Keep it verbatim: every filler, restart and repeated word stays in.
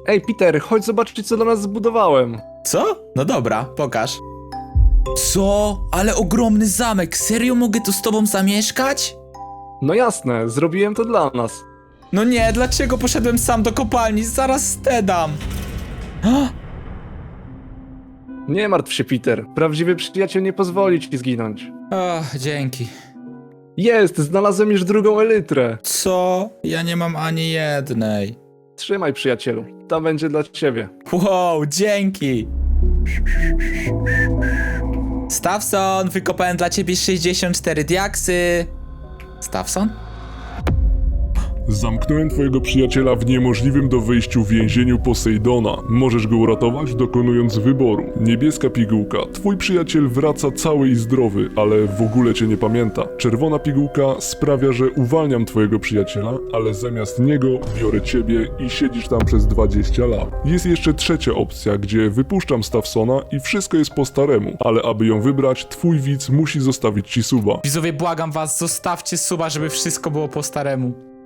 Ej, Peter, chodź zobaczyć, co dla nas zbudowałem. Co? No dobra, pokaż. Co? Ale ogromny zamek, serio mogę tu z tobą zamieszkać? No jasne, zrobiłem to dla nas. No nie, dlaczego poszedłem sam do kopalni? Zaraz stedam. Nie martw się, Peter. Prawdziwy przyjaciel nie pozwoli ci zginąć. O, dzięki. Jest, znalazłem już drugą elytrę. Co? Ja nie mam ani jednej. Trzymaj, przyjacielu. Ta będzie dla ciebie. Wow, dzięki. Stawson, wykopałem dla ciebie sześćdziesiąt cztery diaksy. Stawson? Zamknąłem twojego przyjaciela w niemożliwym do wyjściu więzieniu Posejdona. Możesz go uratować, dokonując wyboru. Niebieska pigułka. Twój przyjaciel wraca cały i zdrowy, ale w ogóle cię nie pamięta. Czerwona pigułka sprawia, że uwalniam twojego przyjaciela, ale zamiast niego biorę ciebie i siedzisz tam przez dwadzieścia lat. Jest jeszcze trzecia opcja, gdzie wypuszczam Stawsona i wszystko jest po staremu, ale aby ją wybrać, twój widz musi zostawić ci suba. Widzowie, błagam was, zostawcie suba, żeby wszystko było po staremu.